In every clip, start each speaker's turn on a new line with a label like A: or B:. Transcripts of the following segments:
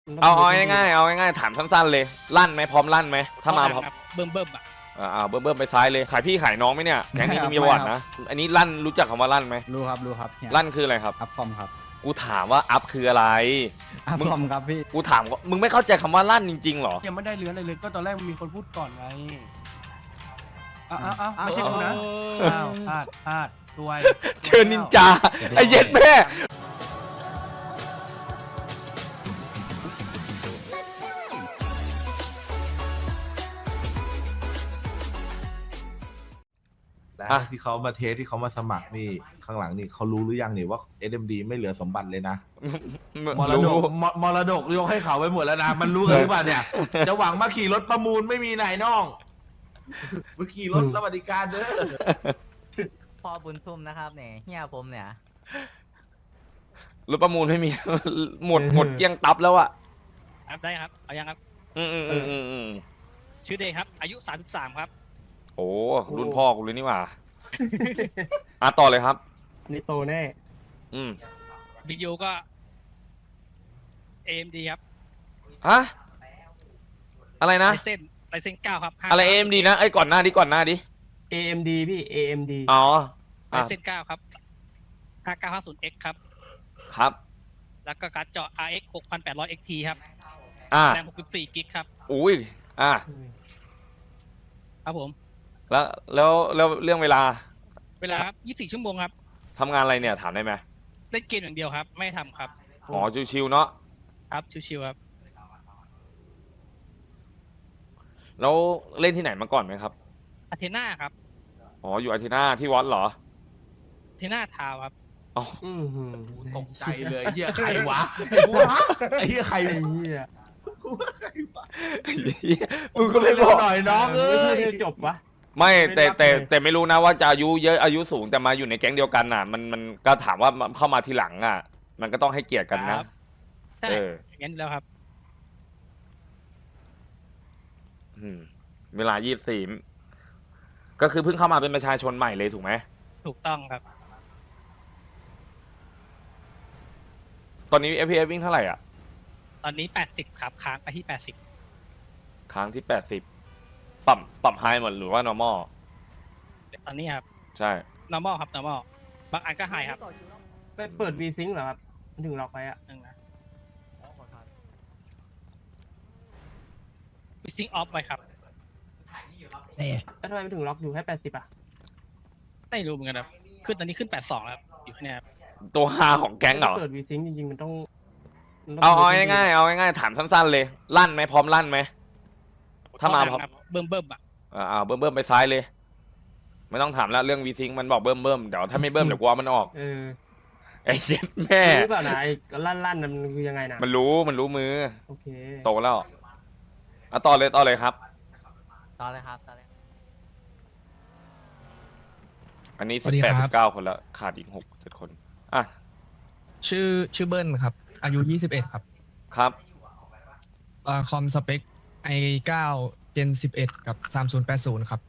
A: เอาง่ายถามสั้นๆเลยลั่นไหมพร้อมลั่นไหมถ้ามาพร้อม
B: เบิ่มเบิ่มอ่ะ
A: เบิ่มไปซ้ายเลยขายพี่ขายน้องไหมเนี่ยแก๊งนี้มีประวัตินะอันนี้ลั่นรู้จักคำว่าลั่นไหม
C: รู้ครับเฮีย
A: ลั่นคืออะไรครับ
C: อัพคอมครับ
A: กูถามว่าอัพคืออะไร
C: อัพคอมครับพี่
A: กูถามว่ามึงไม่เข้าใจคำว่าลั่นจริงๆหรอ
D: ยังไม่ได้เลื้อนอะไรเลยก็ตอนแรกมันมีคนพูดก่อนไงอ้าวไม่ใช่กูนะอ้าวพลาดซวย
A: เชิญนินจาไอ้เย็ดแม่
E: แล้วที่เขามาเทสที่เขามาสมัครนี่ข้างหลังนี่เขารู้หรือยังนี่ว่า SMD ไม่เหลือสมบัติเลยนะมรดกมรดกยกให้เขาไปหมดแล้วนะมันรู้กันหรือเปล่าเนี่ยจะหวังมาขี่รถประมูลไม่มีไหนน้องมาขี่รถสวัสดิการเด้อ
F: พ่อบุญทุ่มนะครับเนี่ยเฮียผมเนี่ย
A: รถประมูลไม่มี หมดเกลี้ยงตับแล้วอะ
B: ได้ครับเอายังครับ
A: อืม
B: ชื่อเดย์ครับอายุ33ครับ
A: โอ้รุ่นพ่อกูเลยนี่หว่าต่อเลยครับ
D: นี่โตแน่
A: อืม
B: วิดีโอก็ AMD ครับ
A: ฮะอะไรนะ
B: ไลเซน9ครับ
A: อะไร AMD นะไอ้ก่อนหน้าดิ
D: AMD พี่ AMD
A: อ๋อ
B: ไลเซน9ครับ 5950X ครับ
A: ครับ
B: แล้วก็การ์ดจอ RX 6800 XT ครับ
A: อ่า
B: แรม64กิกครับ
A: อุ้ย
B: ครับผม
A: แล้วเรื่องเวลา
B: เวลาครับ24ชั่วโมงครับ
A: ทำงานอะไรเนี่ยถามได้ไหม
B: เล่นเกมอย่างเดียวครับ ไม่ทำครับ
A: อ๋อชิวๆเนาะ
B: ครับชิวๆครับ
A: แล้วเล่นที่ไหนมาก่อนไหมครับ
B: อาเทน่าครับ
A: อ๋ออยู่อาทิตย์หน้าที่วัดเหรอ
B: อาเทน่าทาวครับ
A: อ๋อ
E: ตกใจเลยเฮียใครวะไอ้เฮียใคร
D: ไอ้เหี้ย
A: มึงก็ไม่บอก
E: หน่อยน้องเอ้ย
D: จบวะ
A: ไม่แต่ไม่รู้นะว่าจะอายุเยอะอายุสูงแต่มาอยู่ในแก๊งเดียวกันน่ะ มันก็ถามว่าเข้ามาทีหลังอ่ะ มันก็ต้องให้เกียรติกันนะ
B: ใช่
A: เออ
B: อย่างนั้นแล้วครับ
A: เวลา24ก็คือเพิ่งเข้ามาเป็นประชาชนใหม่เลยถูกไหม
B: ถูกต้องครับ
A: ตอนนี้ FPS วิ่งเท่าไหร่อ่ะ
B: ตอนนี้80ครับค้างไปที่80
A: ค้างที่80ปรับไฮหมดหรือว่า normal
B: ตอนนี้ครับ
A: ใช่
B: normal ครับ normal บางอันก็ high ครับ
D: ไปเปิด V-Sync เหรอครับมันถึงล็อกไปอ่ะ
B: นึงนะวิซิงออฟไว้ครับ
D: แล้วทำไมมันถึงล็อกอยู่แค่80อ่ะ
B: ไม่รู้เหมือนกันครับขึ้นตอนนี้ขึ้น82แล้วครับอยู่แค่นี้ครับ
A: ตัวฮาของแก๊งเหรอ
D: เปิด V-Sync จริงๆมันต้อง
A: เอาง่ายถามสั้นๆเลยลั่นไหมพร้อมลั่นไหมถ้ามาพร้อม
B: ครับเบิ่มเบิ่มอ่ะ
A: เบิ่มไปซ้ายเลย ไม่ต้องถามแล้วเรื่องวีซิงมันบอกเบิ่มเดี๋ยวถ้าไม่เบิ่มเดี๋ยวกูเอามันออกไอ้เจ็ดแม่
D: รู้เปล่านะไอ้ลั่นมันคือยังไงนะ
A: มันรู้มือ
D: โอเค
A: โตแล้วต่อเลยครับ
F: ต่อเลยครับต่อเลย
A: อันนี้
G: สวัสดีครับ
A: 18-19 คนแล้วขาดอีก6-7 คน
G: ชื่อเบิ้ลครับ อายุ 21 ครับ
A: ครับ
G: คอมสเปค i9 Gen 11 กับ 3080 ครับ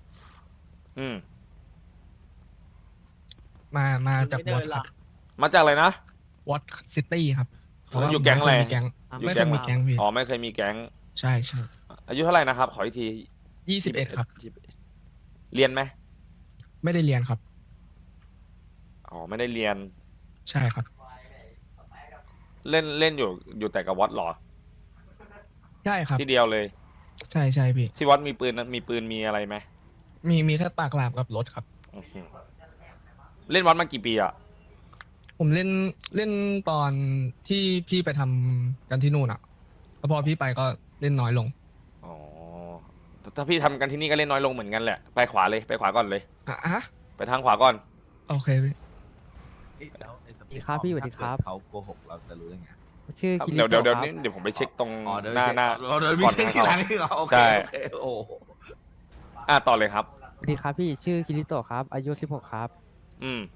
G: มาจากวอตครับ
A: มาจากอะไรนะ
G: วอตซิตี้ครับ
A: อยู่แก๊งอะไร
G: ไม่เคยมีแก๊งพี่
A: อ๋อไม่เคยมีแก๊ง
G: ใช่
A: อายุเท่าไหร่นะครับ ขออีกที
G: 21 ครับ
A: เรียนไหม
G: ไม่ได้เรียนครับ
A: อ๋อไม่ได้เรียน
G: ใช่ครับ
A: เล่นอยู่แต่กับวัดเหรอ
G: ใช่ครับ
A: ที่เดียวเลย
G: ใช่พี่
A: ที่วัดมีปืนมีอะไรไหม
G: มีแค่ปากหลาบกับรถครับ
A: เล่นวัดมากี่ปีอ่ะ
G: ผมเล่นตอนที่พี่ไปทำกันที่นู่นอ่ะแล้วพอพี่ไปก็เล่นน้อยลง
A: อ๋อถ้าพี่ทำกันที่นี่ก็เล่นน้อยลงเหมือนกันแหละไปขวาก่อนเลย
G: ฮะ
A: ไปทางขวาก่อน
G: โอเคพี่
E: แล้ว
F: สวัสดีครับพี่สวัสดีครับ
E: เขาโกหกเราจะรู้ได้ไง
F: ชื่อคิริ
A: เดี๋ยว
F: โตะครับ
A: เดี๋ยวผมไปเช็คตรง
E: อ๋อเดี๋ยว
A: หน้า
E: เราเดินมีเช็คที่หลังนี่เหรอโอเค
A: ใช่
E: โอเคโอ้
A: ต่อเลยครับ
F: สวัสดีครับพี่ชื่อคิริโตะครับอายุ16ครับ
A: อืม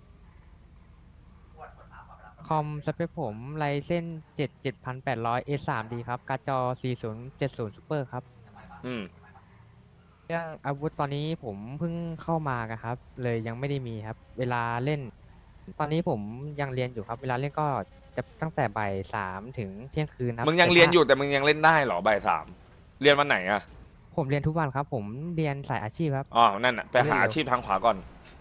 F: คอมสเปคผมไรเส้น7800 A3D ครับการ์ดจอ4070 Super ครับ
A: อืม
F: เรื่องอาวุธตอนนี้ผมเพิ่งเข้ามาครับ เลยยังไม่ได้มีครับ เวลาเล่น ตอนนี้ผมยังเรียนอยู่ครับ เวลาเล่นก็จะตั้งแต่บ่ายสามถึงเที่ยงคืนครับ
A: มึงยัง
F: แต่
A: เรียน
F: ถ้า
A: อยู่แต่มึงยังเล่นได้เหรอบ่ายสามเรียนวันไหนอะ
F: ผมเรียนทุกวันครับ ผมเรียนสายอาชีพครับ
A: อ๋อนั่นอะไปหา
F: เรียนเร็ว
A: อาชีพทางขวาก่อน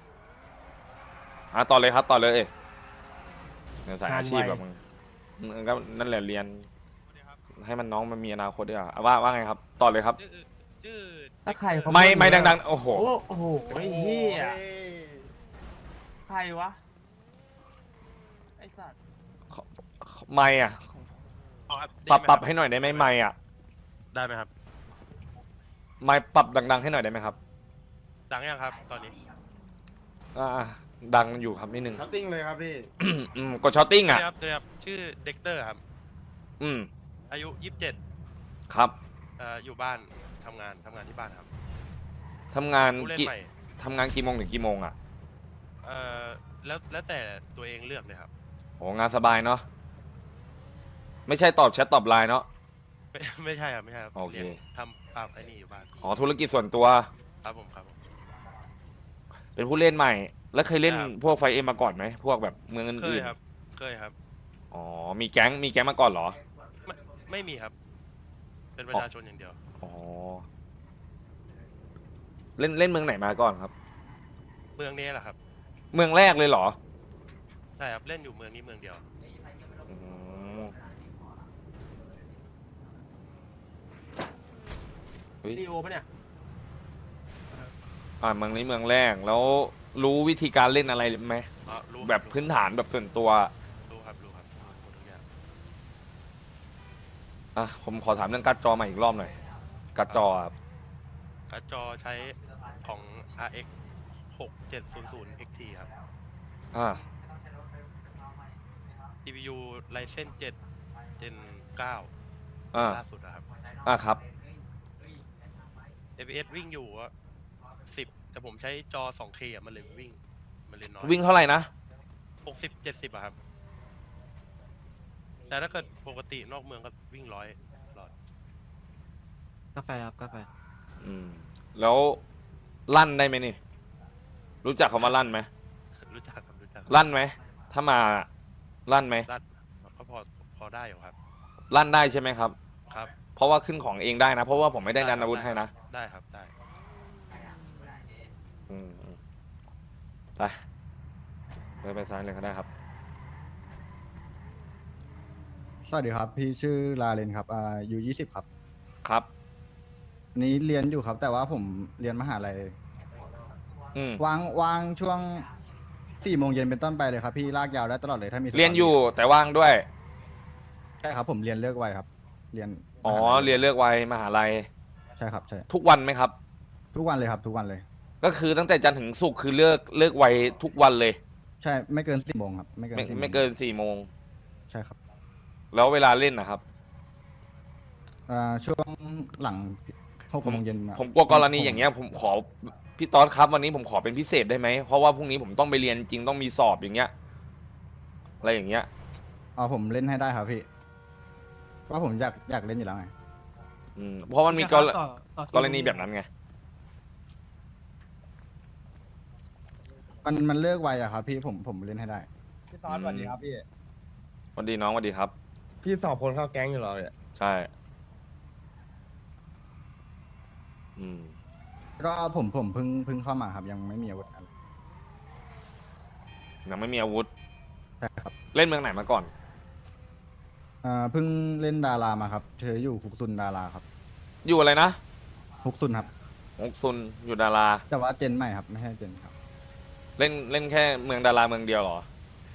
A: ต่อเลยครับต่อเลยเนี่ยสายอาชีพแบบมึงก็นั่นแหละเรียน ให้มันน้องมันมีอนาคตด้วยอ่ะว่าไงครับต่อเลยครับ
B: ชื่อ
D: ถ้าใครเขา
A: ไม่ดังๆโอ้โห
D: โอ้โหไอ้เหี้ยใครวะไอ้สัตว์
A: ไม่อ่ะปรับให้หน่อยได้ไหมไม่อ่ะ
H: ได้ไหมครับ
A: ไม่ปรับดังๆให้หน่อยได้ไหมครับ
H: ดังยังครับ ตอนนี้
A: ดังอยู่ครับนิดนึง
I: ช็อตติ้งเลยครับพี่
A: กดช้อตติ้งอ่ะ
H: ครับชื่อเด็กเตอร์ครับ
A: อืม
H: อายุ 27
A: ครับ
H: อยู่บ้านทำงานที่บ้านครับ
A: ทำงาน
H: ผู้เล่น
A: กี่
H: ใหม่
A: ทำงานกี่โมงถึงกี่โมงอ่ะ
H: แล้วแต่ตัวเองเลือกเลยครับ
A: โอ้งานสบายเนาะไม่ใช่ตอบแชทตอบไลน์เนาะ
H: ไม่ใช่ครับไม่ใช่ครับ
A: โอเค
H: รียนทำไอ้นี่อยู่บ้าน
A: อ๋อธุรกิจส่วนตัว
H: ครับผม
A: เป็นผู้เล่นใหม่ แล้วเคยเล่น
H: ครับ
A: พวกไฟเอ็มมาก่อนไหมพวกแบบเมือง
H: เค
A: อื่
H: ย
A: น
H: ครับเคยครับ
A: ๆอ๋อมีแก๊งมาก่อนเหรอ
H: ไม่มีครับ เป็นประชาชนอย่างเดียว
A: อ๋อเล่นเมืองไหนมาก่อนครับ
H: เมืองนี้แหละครับ
A: เมืองแรกเลยเหรอ
H: ใช่ครับเล่นอยู่เมืองนี้เมืองเดียว
A: อืมเฮ้ย
D: ลีโอปะเนี่ย
A: เมืองนี้เมืองแรกแล้วรู้วิธีการเล่นอะไรไหม
H: รู้
A: แบบพื้นฐานแบบส่วนตัว
H: รู้ครับหมดทุกอย่าง
A: ผมขอถามเรื่องการ์ดจอใหม่อีกรอบหน่อยการ์ดจอครับ
H: การ์ดจอใช้ของ RX 6700 XT ครับ
A: อ่า
H: CPU Ryzen 7 Gen 9
A: อ่า
H: ล่าสุดนะครับ
A: ครับ
H: FPS วิ่งอยู่อะ10 แต่ผมใช้จอ 2K อะมันเลยน้อย
A: วิ่งเท่าไหร่นะ
H: 60-70อะครับ แต่ถ้าเกิดปกตินอกเมืองก็วิ่ง100ตลอด
C: กาแฟครับกาแฟ
A: แล้วลั่นได้ไหมนี่ รู้จักคำว่าลั่นไหม
H: รู้จักครับรู้จัก
A: ลั่นไหมถ้ามาลั่นไหม
H: รัดก็พอได้อยู่ครับ
A: ลั่นได้ใช่ไหมครับ
H: ครับ
A: เพราะว่าขึ้นของเองได้นะ เพราะว่าผมไม่ได้ดันอาวุธให้นะ
H: ได้ครับได้
A: อืมไปไปซ้ายเลยก็ได้ครับ
C: สวัสดีครับ พี่ชื่อลาเลนครับอยู่20 ครับ
A: ครับ
C: นี้เรียนอยู่ครับ แต่ว่าผมเรียนมหาลัย วางช่วง4 โมงเย็นเป็นต้นไปเลยครับ พี่ลากยาวได้ตลอดเลยถ้ามีสต
A: เรียนอยู่แต่ว่างด้วย
C: ใช่ครับผมเรียนเลิกไวครับ เรียน
A: อ๋อ
C: มหาลัย
A: เรียนเลือกไว้มหาลัย
C: ใช่ครับใช่
A: ทุกวันไหมครับ
C: ทุกวันเลยครับ ทุกวันเลย
A: ก็คือตั้งแต่จันทร์ถึงศุกร์คือเลิกไวทุกวันเลย
C: ใช่ไม่เกิน4 โมงครับไม่เกิน
A: ไม่
C: 4 โมง
A: ไม่เกิน4 โมง
C: ใช่ครับ
A: แล้วเวลาเล่นนะครับ
C: ช่วงหลัง6 โมงเย็น
A: ผมกลัวกรณีอย่างเงี้ยผมขอพี่ต๊อดครับวันนี้ผมขอเป็นพิเศษได้ไหมเพราะว่าพรุ่งนี้ผมต้องไปเรียนจริงต้องมีสอบอย่างเงี้ยอะไรอย่างเงี้ย
C: ผมเล่นให้ได้ครับพี่เพราะผมอยากเล่นอยู่แล้วไง
A: เพราะมันมีกรณีแบบนั้นไง
C: มันเลิกไวอะครับพี่ผมเล่นให้ได้พี่ตอนสวัสดีครับพี่
A: สวัสดีน้องสวัสดีครับ
I: พี่สอบคนเข้าแก๊งอยู่เหรอเนี่ย
A: ใช่
C: ก็ผมเพิ่งเข้ามาครับยังไม่มีอาวุธอะไร
A: ยังไม่มีอาวุธ
C: ใช่ครับ
A: เล่นเมืองไหนมาก่อน
C: เพิ่งเล่นดารามาครับเธออยู่ฮุกซุนดาราครับ
A: อยู่อะไรนะ
C: ฮุกซุนครับ
A: ฮกซุนอยู่ดารา
C: แต่ว่าเจนใหม่ครับไม่ใช่เจนครับ
A: เล่นแค่เมืองดาราเมืองเดียวเหรอ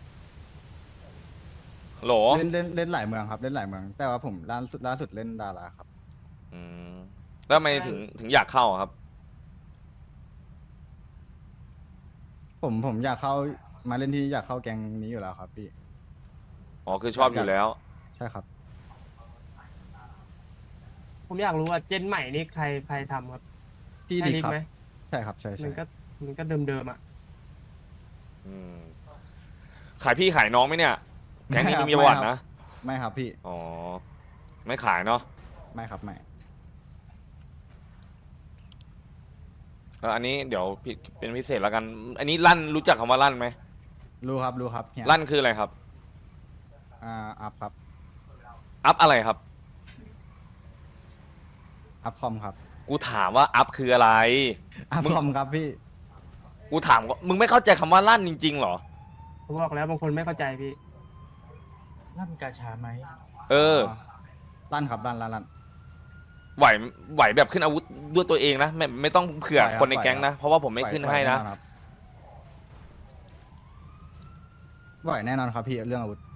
A: โหล
C: เล่นหลายเมืองครับเล่นหลายเมือง แต่ว่าผมล่าสุดเล่นดาราครับ
A: แล้วทำไมถึงอยากเข้าอะครับ
C: ผมอยากเข้ามาเล่นที่อยากเข้าแก๊งนี้อยู่แล้วครับพี่
A: อ๋อคือชอบอยู่แล้ว
C: ใช่ครับ
D: ผมอยากรู้ว่าเจนใหม่นี่ใครทำครับ
C: พี่
D: ใช่
C: ดิ
D: ลิฟ
C: ครับ
D: ไหม
C: ใช่ครับใช่
D: มั
C: ใช่
D: นก็เดิมๆอ่ะ
A: ขายพี่ขายน้องไหมเนี่ย แก๊งนี้มันมีประวัตินะ
C: ไม่ครับพี่
A: อ๋อ ไม่ขายเนาะ
C: ไม่ครับไม่
A: อันนี้เดี๋ยวพี่เป็นพิเศษแล้วกัน อันนี้ลั่นรู้จักคำว่าลั่นไหม
C: รู้ครับเฮีย
A: ลั่นคืออะไรครับ
C: อัพครับ
A: อัพอะไรครับ
C: อัพคอมครับ
A: กูถามว่าอัพคืออะไร
C: อัพคอมครับพี่
A: กูถามว่ามึงไม่เข้าใจคำว่าลั่นจริงๆเหรอ
D: ผมบอกแล้วบางคนไม่เข้าใจพี่
I: นั่นกาชาไหม
A: เออ
C: ลั่นครับลั่น
A: ไหวแบบขึ้นอาวุธด้วยตัวเองนะไม่ต้องเผื่อ
C: ไหวครับ
A: คนในแก๊งนะ เพราะว่าผมไม่ขึ้นให้นะ
C: ไหวแน่นอนครับพี่เรื่องอาวุธ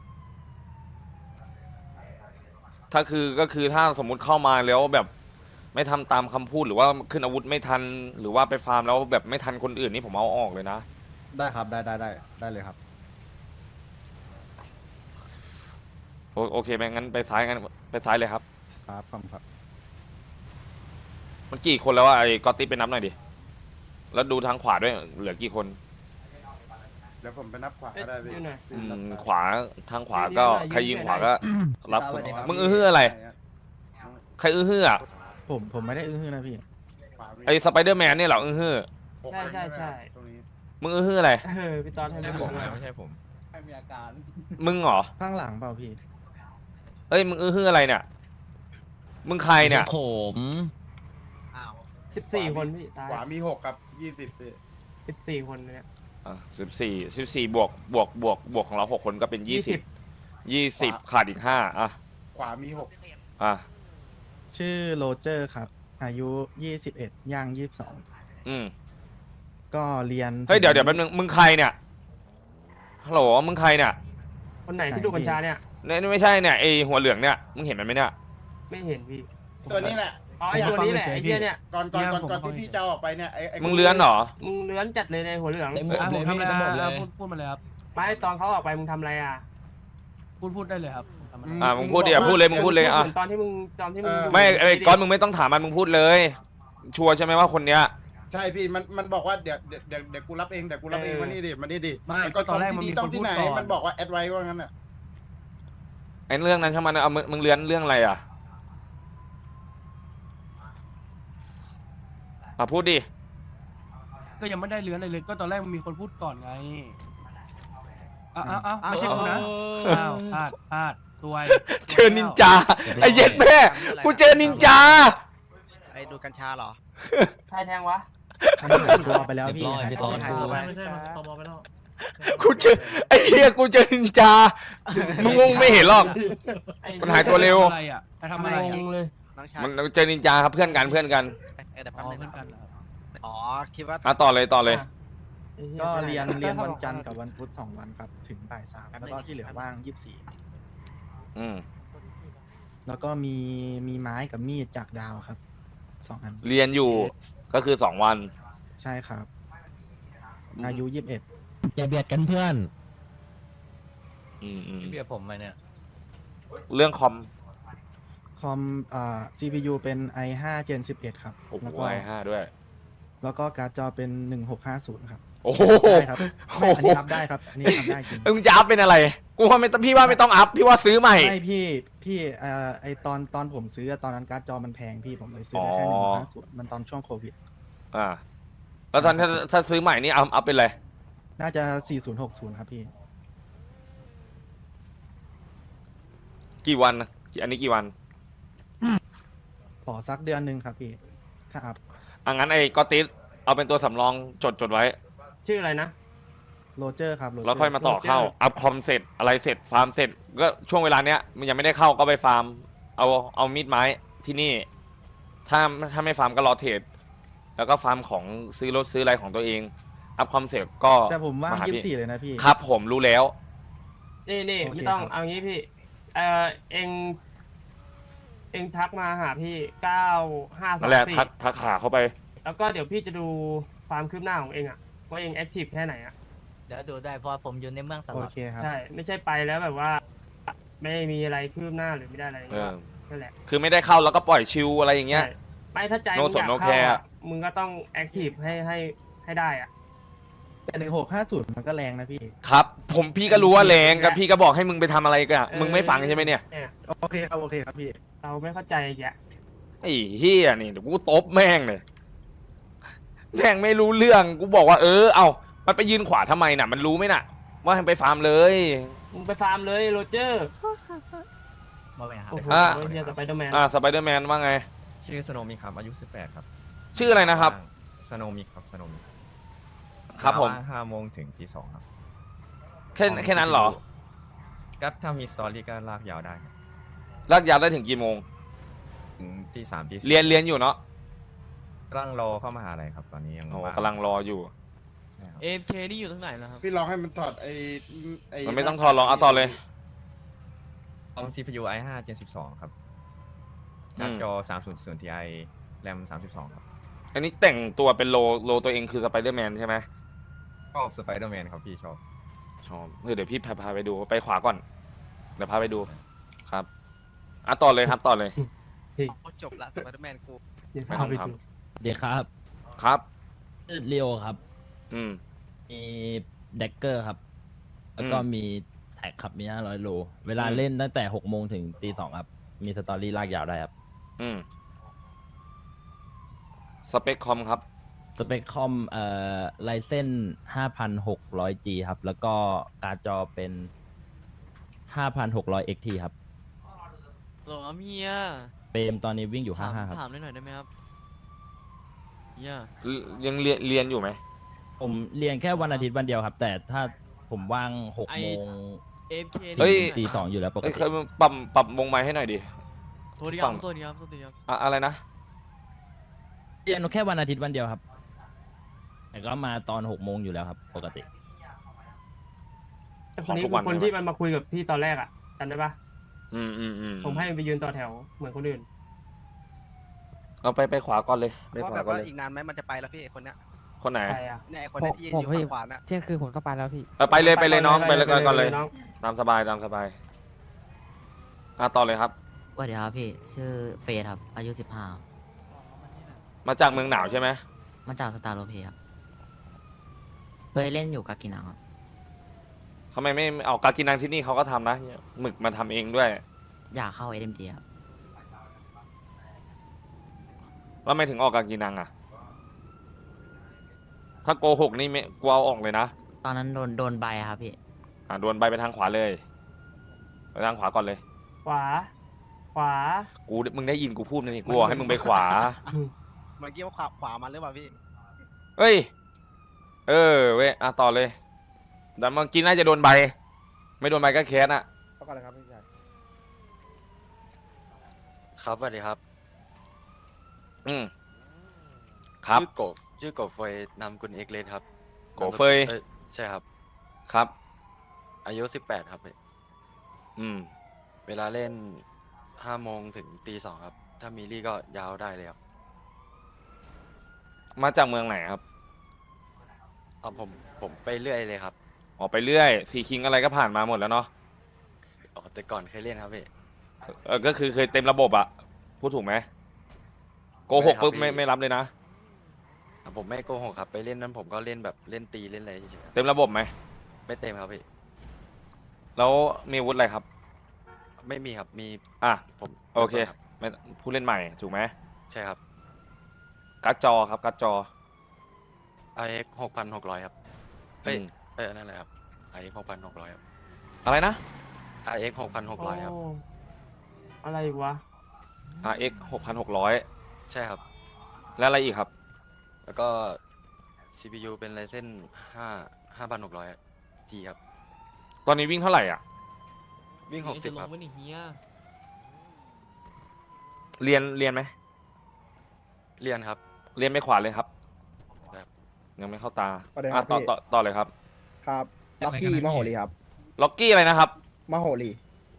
A: ถ้าคือถ้าสมมุติเข้ามาแล้วแบบไม่ทำตามคำพูดหรือว่าขึ้นอาวุธไม่ทันหรือว่าไปฟาร์มแล้วแบบไม่ทันคนอื่นนี่ผมเอาออกเลยนะ
C: ได้ครับได้เลยครับ
A: โอเคไหมงั้นไปซ้ายเลยครับ
C: ครับคอมครับ
A: มันกี่คนแล้วว่าไอ้กอตติไปนับหน่อยดิแล้วดูทางขวาด้วยเหลือกี่คน
I: เดี๋ยวผมไปนับขวาก็ได้พี่
D: อยู่หน่อย
A: ขวาทางขวาก็
D: ยืน
A: ใครยิงขวา
D: หน่
A: ก็
D: อย
A: รับ
I: สวัสดีครับ
A: มึงอื้ออะไร ใครอื้ออ่ะ
C: ผมไม่ได้อื้อนะพี่
A: ไอ้สไปเดอร์แมนเนี่ยเหรออื้อ
D: ใช่
I: ตรงนี้
A: มึงอื้ออะไร
D: พี่ตอนให้ไม่ผม
I: ไม่ใช่ผม
A: มึงเหรอ
C: ข้างหลังเปล่าพี่
A: เอ้ยมึงอื้ออะไรเนี่ยมึงใครเนี่ย
B: ผม
D: 14 คนพี่ตาย
I: ขวามี6ครับ20พี่
D: 14 คนเนี่ย
A: 14บวกของเรา6 คนก็เป็น20ขาดอีก5อ่ะ
I: ขวามี6
A: อ่ะ
C: ชื่อโรเจอร์ครับ อายุ21ย่าง22
A: อืม
C: ก็เรียน
A: เฮ้ยเดี๋ยวแป๊บนึงมึงใครเนี่ยฮัลโหลมึงใครเนี่ย
D: คนไหนที่ดูกัญชาเนี่ย
A: เนี่ยไม่ใช่เนี่ยไอหัวเหลืองเนี่ยมึงเห็นมันไหมเนี่ย
D: ไม่เห็นพี่
I: ตัวนี้แหละ
D: อ๋อไอตัวนี้แหละไอเหี้ยเนี่ย
I: ก่อนที่พี่จะเอาออกไปเนี่ยไอ้
A: มึงเลื้อนเหรอ
D: มึงเลื้อนจัดเลยในหัวเหลือง
B: ผมทำอะไร
G: พูดมาเลยครับ
D: ไม่ตอนเขาออกไปมึงทำอะไรอ่ะ
G: พูดได้เลยครับ
A: มึงพูดดิพูดเลยมึงพูดเลยอ่ะ
D: ตอนที่มึงดู
A: ไม่ไอ้ก้อนมึงไม่ต้องถามมันมึงพูดเลย ชัวร์ใช่ไหมว่าคนเนี้ย
I: ใช่พี่มันบอกว่าเดี๋ยวกูรับเองมานี่ดิ
G: ไม่
I: ก็
G: ตอนแรกมันมี
I: ต้อง
G: คนพู
I: ที่
G: ด
I: ไหน
G: ก่อน
I: มันบอกว่าแอดไว้ว่างั้นน่ะ
A: ไอ้เรื่องนั้นใช่ไหมเอามึงเลื้อนเรื่องอะไรอ่ะพูดดิ
G: ก็ยังไม่ได้เลื้อนอะไรเลย ก็ตอนแรกมันมีคนพูดก่อนไงอ้าวไม่ใช่กูนะอ้าวพลาดซวย
A: เจอนินจาไอ้เย็ดแม่กูเจอนินจา
B: ไปดูกัญชาเหรอ
D: ใครแทงวะ
C: มันหายตัวไปแล้วพี่
B: เรียบร้อย
C: หายตัวไป
B: ไม่ใช่ตบไปแล้ว
A: กูเจอไอ้เหี้ยกูเจอนินจามึงไม่เห็นหรอก มันหายตัวเร็ว
G: อะไรอ่ะไปทำอะไร
D: งงเลย
B: น้องชาย
A: มันเจอนินจาครับเพื่อนกัน
B: เดี๋ยวแป๊บนึง
G: เพื่อนกันเหรอ
B: อ๋อ คิดว่า
A: ต่อเลย
C: ก็เรียนวันจันทร์กับวันพุธ2 วันครับ ถึงบ่าย 3แล้วก็ที่เหลือว่าง24
A: อืม
C: แล้วก็มีไม้กับมีดจากดาวครับ2 อัน
A: เรียนอยู่ก็คือ2 วัน
C: ใช่ครับ อายุ21
B: อย่าเบียดกันเพื่อน
A: อืม
B: เบียดผมมาเนี่ย
A: เรื่องคอม
C: คอมCPU เป็น i5 Gen 11 ครับ
A: โอ้โห
C: แล้วก็
A: ไอ้5ด้วย
C: แล้วก็การ์ดจอเป็น 1650 ครับ
A: โอ้โห
C: ได้ครับไม่อันนี้รับได้ครับ อันนี้ทำได้จริง
A: มึงจะอัพเป็นอะไรกูว่าไม่ต้องพี่ว่าไม่ต้องอัพพี่ว่าซื้อใหม่
C: ไม่พี่ไอตอนผมซื้อตอนนั้นการ์ดจอมันแพงพี่ผมเลยซื้อได้แค่
A: อ๋อ
C: 1650มันตอนช่วงโควิด
A: แล้วตอนถ้าซื้อใหม่นี่อัพเป็นอะไร
C: น่าจะ 4060 ครับพี่
A: กี่วันนะอันนี้กี่วัน
C: ขอสักเดือนหนึ่งครับพี่ ถ้าอัพ
A: งั้นไอ้กอติสเอาเป็นตัวสำรองจดไว้
D: ชื่ออะไรนะ
C: โรเจอร์ครับ
A: แล้วค่อยมาต่อเข้า อัพคอมเสร็จอะไรเสร็จฟาร์มเสร็จก็ช่วงเวลาเนี้ยมันยังไม่ได้เข้าก็ไปฟาร์มเอามีดไม้ที่นี่ ถ้าไม่ฟาร์มก็รอเทรดแล้วก็ฟาร์มของซื้อรถซื้ออะไรของตัวเอง อัพคอมเสร็จก็
C: แต่ผมว่าง
A: หพี่
C: 24เลยนะพี่
A: ครับผมรู้แล้ว
D: นี่
C: โอเค
D: ไม่ต้อง
C: ครับ
D: เอางี้พี่ เองทักมาหาพี่
A: นั่นแหละ
D: 9524
A: ทักหาเข้าไป
D: แล้วก็เดี๋ยวพี่จะดูความคืบหน้าของเองอ่ะว่าเองแอคทีฟแค่ไหนอ่ะ
B: เดี๋ยวดูได้เพราะผมอยู่ในเมืองตล
C: โอ
B: อด
C: เคครับ
D: ใช่ ไม่ใช่ไปแล้วแบบว่า ไม่มีอะไรคืบหน้าหรือไม่ได้อะไร
A: เออ
D: นั่นแหละ
A: คือไม่ได้เข้าแล้วก็ปล่อยชิวอะไรอย่างเงี้ย
D: ใช่ไม่ถ้าใจ
A: No
D: มึงอยาก
A: สน no
D: เข้า
A: care
D: อะมึงก็ต้องแอคทีฟให้ได้อ่ะ
C: แต่1650มันก็แรงนะพี่
A: ครับผมพี่ก็รู้ว่าแรงกับพี่ก็บอกให้มึงไปทำอะไรกันมึงไม่ฟังใช่ไหมเนี่ย
D: เนี่ย
C: โอเคครับพี่
D: เราไม่เข้าใจแก
A: ไอ้เฮียนี่เดี๋ยวกูตบแม่งเลยแม่งไม่รู้เรื่องกูบอกว่าเอามันไปยืนขวาทำไมน่ะ มันรู้ไหมน่ะ ว่าให้ไปฟาร์มเลย
D: มึงไปฟาร์มเลยโรเจอร์
J: มาไปหา
D: โอ้โห
A: อ่ะ
D: เฮียสไปเดอร์แมน
A: สไปเดอร์แมนว่าไง
J: ชื่อสโนมิครับอายุ18ครับ
A: ชื่ออะไรนะครับ
J: สโนมิครับสโนมิ
A: ครับผม
J: 5 โมงถึงตี 2ครับ
A: แค่นั้นเหรอ
J: ก็ถ้ามีสตอรี่ก็ลากยาวได้ครับ
A: ลากยาวได้ถึงกี่โมง
J: ถึงตี 3ตี 4
A: เรียนอยู่เนาะ
J: กำลังรอเข้ามหาลัยครับตอนนี้ยัง
A: โอ้
J: ว่าง
A: กำลังรออยู่
J: ใช่ครับ
F: AFK นี่อยู่ตรงไหนนะครับ
I: พี่ลองให้มันถอดไอ้
A: มันไม่ต้องทอลองเอาต่อเลย
J: คอม CPU i5 Gen 12ครับ
A: อืม
J: การ์ดจอ300 Ti แรม32ครับ
A: อันนี้แต่งตัวเป็นโลตัวเองคือสไปเดอร์แมนใช่ไหม
J: ชอบสไปเดอร์แมนครับพี่ชอบ
A: ชอบเดี๋ยวพี่พาไปดูไปขวาก่อน เดี๋ยวพาไปดูครับต่อเลยครับต่อเลย
F: จบละสไปเดอร์แมนกู
D: เดี๋ยว
A: ไม่
D: พา
A: ต้อง
D: ไป
A: ท
D: ดู
K: เดี๋ยวครับ
A: ครับ
K: เรียวครับ
A: อืม
K: มีเด็กเกอร์ครับ แล้วก็
A: อืม
K: มีแท็กครับ มี500 โล เวลา
A: อืม
K: เล่นตั้งแต่6 โมงถึงตี 2 ครับ มีสตอรี่ลากยาวได้ครับ
A: อืมสเปคคอมครับ
K: สเปคคอมไลเซน 5,600G ครับ แล้วก็การ์ดจอเป็น 5,600 XT ครับ
F: โหลครับเฮีย
K: เปรมตอนนี้วิ่งอยู่ 55 ครับ
F: ถามหน่อยได้ไหมครับเฮีย
A: ยังเรียนอยู่ไหม
K: ผมเรียนแค่วันอาทิตย์วันเดียวครับ แต่ถ้าผมว่าง6 โมง
F: AFK
A: เฮ้ย
K: ถึงตี 2 อยู่แล้วปก
A: เอ้ย
K: ติ
A: เคยปรับวงไม้ให้หน่อยดิ
F: โทษดีค
A: ฝั่
F: รับ
A: ง
F: โทษดีครับโทษดีครับ
A: อะไรนะ
K: เรียนแค่วันอาทิตย์วันเดียวครับ แต่ก็มาตอน6 โมงอยู่แล้วครับ ปกติ
D: แต่คนนี้คือคนที่มันมาคุยกับพี่ตอนแรกอ่ะจำได้ปะ
A: อืม
D: ผมให้ไปยืนต่อแถวเหมือนคนอื่น
A: เอาไปขวาก่อนเลยไป
F: ว่า
A: ขวา
F: แบบ
A: ก่อน
F: ว่า
A: เลย
F: อีกนานไหมมันจะไปแล้วพี่ไอ้คนเนี้ย
A: คนไหน
D: ใครอ่ะ
F: เนี่ยไอ้คนเนี้ยที่ยืนผมอยู่พี่ฝั่งขวาน่ะ
K: เที่ยงคืนผมก็ไปแล้วพี่
A: ไปเลยน้องไปเลยก่อนเลย
D: น้อง
A: ตามสบายต่อเลยครับ
F: สวัสดีครับพี่ ชื่อเฟยครับ อายุ
A: มาจากเมืองหนาวใช่ไหม
F: 15 มาจากสตาร์โลเพครับเคยเล่นอยู่กับกินังครับ
A: ทำไมไม่เอากากินังที่นี่เขาก็ทำนะหมึกมาทำเองด้วย
F: อยากเข้า SMD ครับ
A: แล้วไม่ถึงออกกากินังอ่ะ ถ้าโกหกนี่ไม่กลัวเอาออกเลยนะ
F: ตอนนั้นโดนใบครับพี่
A: โดนใบไปทางขวาเลยไปทางขวาก่อนเลย
D: ขวา
A: มึงได้ยินกูพูดไหมนี่กูบอกให้มึงไปขวา
F: เมื่อกี้ว่าขวามันหรือเปล่าพี่
A: เฮ้ย เว้ยต่อเลยแต่เมื่อกี้น่าจะโดนใบ ไม่โดนใบก็แคสอ่ะ
I: เอาก่อนเลยครับพี่ชาย
J: ครับสวัสดีครับ
A: อืมครับ
J: ชื่อกบเฟยนามกุลเอกเลนครับ
A: โกเฟย
J: ใช่ครับ
A: ครับ
J: อายุ 18 ครับ
A: อืม
J: เวลาเล่น5 โมงถึงตี 2 ครับ ถ้ามีลี่ก็ยาวได้เลยครับ
A: มาจากเมืองไหนครับ
J: ผมไปเรื่อยเลยครับ
A: ออกไปเรื่อยซีคิงอะไรก็ผ่านมาหมดแล้วเนาะ
J: แต่ก่อนเคยเล่นครับพี่
A: ก็คือเคยเต็มระบบอะพูดถูกไหมโกหกปุ๊บไม่รับเลยนะ
J: ผมไม่โกหกครับ ไปเล่นนั้นผมก็เล่นแบบเล่นตีเล่นอะไรเฉย
A: เต็มระบบไหม
J: ๆไม่เต็มครับพี่
A: แล้วมีอาวุธอะไรครับ
J: ไม่มีครับ มี ผม
A: โอเค
J: ครับ
A: ไม่ผู้เล่นใหม่ถูกไหม
J: ใช่ครับ
A: การ์ดจอครับการ์ดจอ
J: RX 6,600 ครับเอ้ย
A: อืม
J: นั่นแหละครับ RX 6,600 ครับ
A: อะไรนะ
J: RX 6,600 ครับ
D: โอ้อะไรอีกวะ
A: RX 6,600
J: ใช่ครับ
A: แล้วอะไรอีกครับ
J: แล้วก็ CPU เป็น Ryzen 5,600 G ครับ
A: ตอนนี้วิ่งเท่าไหร่อ่ะ
J: วิ่ง 60 ครับ
A: เรียนไหม
J: เรียนครับ
A: เรียนไม่ขวาเลยครับ
J: ครับ
A: ยังไม่เข้าตา
I: ประเด็นครับพี่
A: ต่อเลยครับ
I: ครับล็อกกี้มโหรีครับ
A: ล็อกกี้อะไรนะครับ
I: มโหรี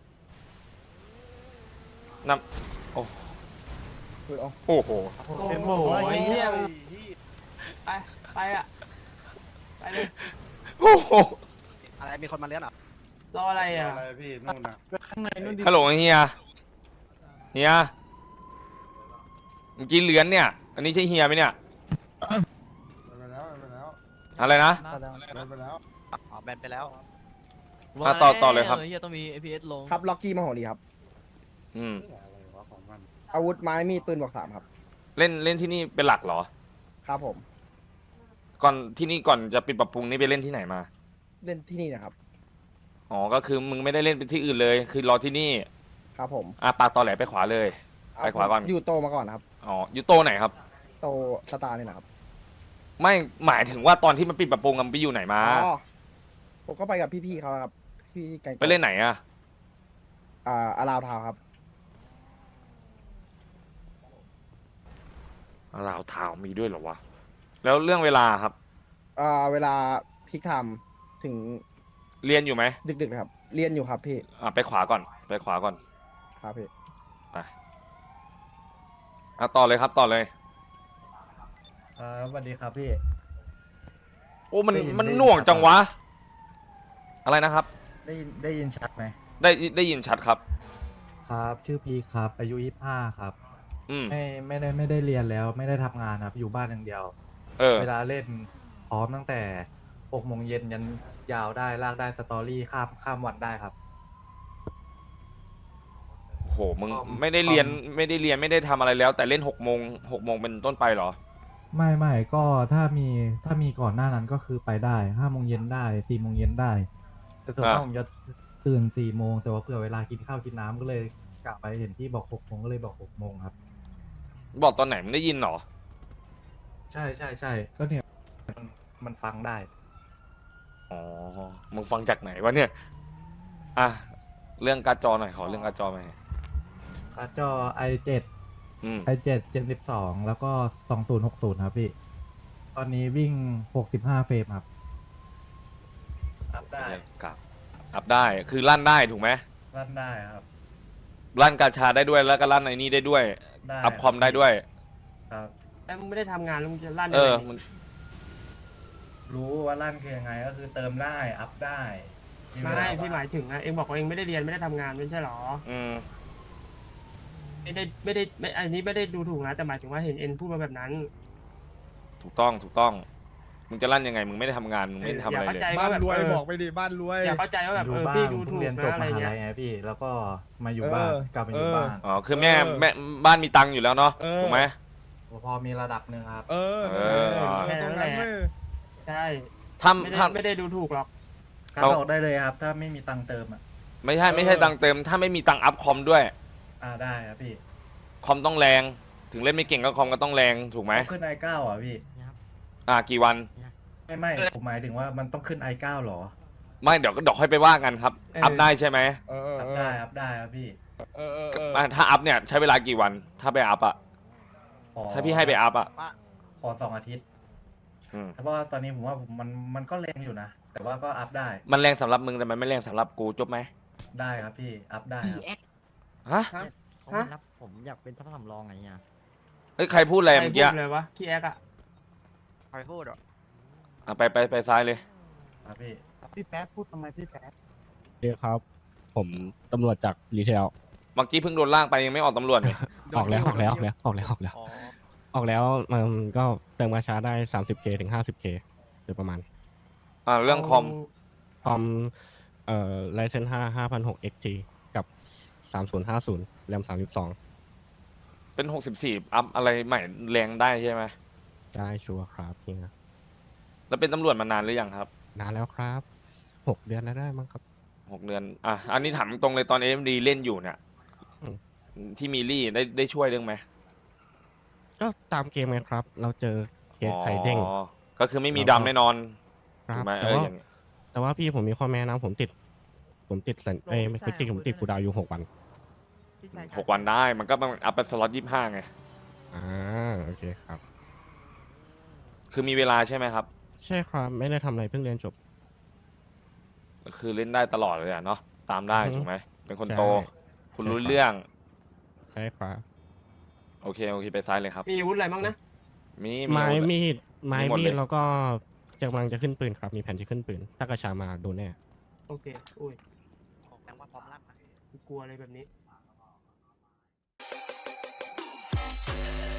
A: นำโอ้
I: คือเอา
A: โอ้โห
D: โอ้โหไอ้เหี้ยไปอ่ะ ไปเลย
A: โอ้โห
F: อะไรมีคนมาเลี้ยงเหรอ
D: รออะไรอ่ะ
I: อะไรพี่นู่นน่ะ
C: ข้างในนู่นดิ
A: ฮัลโหลเฮียเมื่อกี้เลือนเนี่ย อันนี้ใช่เฮียไหมเนี่ย
I: ไปแล้วไปแล้ว
A: อะไรนะ
I: ไปแล้ว
F: อ๋อแบนไปแล้ว
A: ต่อเลยครับ
F: เฮียต้องมี APS ลง
I: ครับล็อกกี้มโหรีครับ
A: อืม
I: อะไรวะของมันอาวุธไม้มีดปืนบวก3ครับ
A: เล่นที่นี่เป็นหลักเหรอ
I: ครับผม
A: ก่อนที่นี่ก่อนจะปิดปรับปรุงนี่ไปเล่นที่ไหนมา
I: เล่นที่นี่นะครับ
A: อ๋อก็คือมึงไม่ได้เล่นเป็นที่อื่นเลย คือรอที่นี่
L: ครับผม
A: ปากตอแหลไปขวาเลย ไปขวาก่อน
L: อยู่โตมาก่อนครับ
A: อ๋ออยู่โตไหนครับ
L: โตสตาร์นี่นะครับ
A: ไม่หมายถึงว่าตอนที่มันปิดปรับปรุงกันไปอยู่ไหนมา
L: อ๋อผมก็ไปกับพี่ๆเขาครับพี่ไก่
A: ไปเล่นไหนอะ
L: อาราวทาวครับ
A: ลาวทาวมีด้วยเหรอวะ แล้วเรื่องเวลาครับ
L: เวลาพิกไทม์ถึง
A: เรียนอยู่ไหม
L: ดึกๆนะครับ เรียนอยู่ครับพี่
A: ไปขวาก่อน ไปขวาก่อน
L: ครับพี่
A: ไปต่อเลยครับต่อเลย
C: สวัสดีครับพี่
A: โอ้มัน
C: ได้ยิน
A: มัน
C: ได้ยิน
A: หน่วง
C: ครับ
A: จังวะ อะไรนะครับ
C: ได้ยินชัดไหม
A: ได้ยินชัดครับ
C: ครับ ชื่อพีครับ อายุ25ครับ
A: อืม
C: ไม่ได้เรียนแล้ว ไม่ได้ทำงานครับ อยู่บ้านอย่างเดียว เวลาเล่นพร้อมตั้งแต่6 โมงเย็นยันยาวได้ลากได้สตอรี่ข้ามวันได้ครับ
A: โหมึง
C: คอม
A: ไม่ได้เรียนไม่ได้ทำอะไรแล้ว แต่เล่น6 โมงเป็นต้นไปเหรอ
C: ไม่ก็ถ้ามีก่อนหน้านั้นก็คือไปได้5 โมงเย็นได้4 โมงเย็นได้ แต่ส่วนมาก
A: อ่ะ
C: ผมจะตื่น4 โมงแต่ว่าเผื่อเวลากินข้าวกินน้ำก็เลยกะไปเห็นที่บอก6 โมงก็เลยบอก6 โมงครับ
A: บอกตอนไหนมึงได้ยินเหรอ
C: ใช่ก็เนี่ยมันฟังได้
A: อ๋อ มึงฟังจากไหนวะเนี่ย อ่ะ เรื่องการ์ดจอหน่อยขอเรื่องการ์ดจอหน่อย
C: การ์ดจอ i7
A: อืม
C: i7 Gen 12 แล้วก็ 2060 ครับพี่ ตอนนี้วิ่ง 65 เฟรมครับอัพได้
A: กับอัพได้ คือลั่นได้ถูกไหม
C: รันได้ครับ
A: ลั่นกาชาได้ด้วย แล้วก็ลั่นไอ้นี่ได้ด้วย
C: ได้
A: อัพคอมได้ด้วย
C: ครับ
D: แต่มึงไม่ได้ทำงานแล้วมึงจะลั่น
A: เอ
D: ได้
A: อ
D: ไง
A: มัน
C: รู้ว่าลั่นคือยังไงก็คือเติมได้ อัพได้เวล
D: ไม่พี่หมายถึงนะเองบอกว่าเองไม่ได้เรียนไม่ได้ทำงานไม่ใช่หรอ
A: อืม
D: ไม่อันนี้ไม่ได้ดูถูกนะแต่หมายถึงว่าเห็นเอ็นพูดมาแบบนั้น
A: ถูกต้อง มึงจะลั่นยังไง มึงไม่ได้ทำงาน มึงไม่ได้ทำอะไร
D: อย่า
A: เล
D: เข้าย ใจ
I: บ้าน
D: แบบ
I: รวยบอกไปดิบ้านรวย
D: อย่าเข้าใจว่าแบบ
C: อยู่บ้าง
D: พี่ดู
C: เพิ่
D: ถู
C: ง
D: ก
C: เรียนจบ
D: นะอะไร
C: มหา
D: เงี้
C: ลั
D: ย
C: ยไงพี่ แล้วก็มาอยู่บ้านกลับมาอยู่บ้าน
A: อ๋อ คือแม่บ้านมีตังค์อยู่แล้วเนาะ ถูกไหม
C: พอมีระดับหนึ่งครับ
D: แค่นั้นแหละใช่
A: ถ้า
D: ไม่ได้ดูถูกหรอก
C: คัดออกได้เลยครับ ถ้าไม่มีตังค์เติมอ่ะ
A: ไม่ใช่ตังค์เต็ม ถ้าไม่มีตังค์อัพคอมด้วย
C: ได้ครับพี่
A: คอมต้องแรง ถึงเล่นไม่เก่งก็คอมก็ต้องแรง ถูกไหม
C: ขึ้น i9 อ่ะพี่
A: กี่วัน
C: ไม่ผมหมายถึงว่ามันต้องขึ้น i9 หรอ
A: ไม่เดี๋ยวค่อยไปว่ากันครับ อัพได้ใช่ไหม
C: อัพได้ครับพี่
A: ถ้าอัพเนี่ยใช้เวลากี่วัน ถ้าไปอัพอะ
C: ขอ
A: ถ้าพี่ให้ไปอัพอะ
C: ขอ2 อาทิตย์
A: อืม
C: แต่ว่าตอนนี้ผมว่ามันก็แรงอยู่นะ แต่ว่าก็อัพได้
A: มันแรงสำหรับมึงแต่มันไม่แรงสำหรับกูจบไหม
C: ได้ครับพี่ อัพได้ครับ
A: ฮะ
D: เขาไม่รับ
F: ผมอยากเป็นพระสำรองไงเนี่ย
A: เอ้ยใครพูดอะไร
D: ใคร
A: เมื่อ
D: พู
A: กี้
D: ดเลยวะขี้แอกอะ
F: ใครพูดอ่ะ
A: ไปซ้ายเลย
C: ครับพี่
I: พี่แป๊ดพูดทำไมพี่แป๊ด
G: เรียกครับ ผมตำรวจจากรีเทล
A: เมื่อกี้เพิ่งโดนล่างไปยังไม่ออกตำรวจเลย
G: ออกแล้วมันก็เติมกาชาได้ 30K ถึง 50K โดยประมาณ
A: เรื่องคอม
G: คอมRyzen 5 5006 XT กับ 3050 แรม 32
A: เป็น 64 อัพอะไรใหม่แรงได้ใช่ไหม
G: ได้ชัวร์ครับเฮีย
A: แล้วเป็นตำรวจมานานหรือยังครับ
G: นานแล้วครับ 6 เดือนแล้วได้มั้งครับ
A: 6 เดือน อันนี้ถามตรงเลยตอน AMD เล่นอยู่เนี่ย
G: อืม
A: ที่มีลี่ได้ช่วยเรื่องไหม
G: ก็ตามเกมไงครับ เราเจอเคสไข่เด้ง
A: อ๋อก็คือไม่มีดำแน่นอน
G: ครั
A: ถู
G: บ
A: กไหม
G: แต่ว่าพี่ผมมีข้อแม้นะผมติดสัญไม่ติดผมติดคูลดาวน์อยู่6 วัน
A: 6 วันได้มันก็ต้องอัพเป็นสล็อต25ไง
G: โอเคครับ
A: คือมีเวลาใช่ไหมครับ
G: ใช่ครับ ไม่ได้ทำอะไรเพิ่งเรียนจบ
A: คือเล่นได้ตลอดเลยอะเนาะตามได้
G: อือฮึ
A: ถูกไหมเป็นคน
G: ใช่
A: โต คุณ
G: ใช่
A: รู้
G: ครับ
A: เรื่อง
G: ใช่ครับ
A: โอเคไปซ้ายเลยครับ
D: มีอาวุธอะไรบ้างนะ
A: มี
G: ไม้
A: อาวุธ
G: มีด
A: มีหมดเลย
G: แล้วก็กำลังจะขึ้นปืนครับ มีแผนที่ขึ้นปืน ถ้ากระชามาโดนแน่
D: โอเคอุ้ย
F: แปลว่าพร้อมรับนะ
D: กลัวอะไรแบบนี้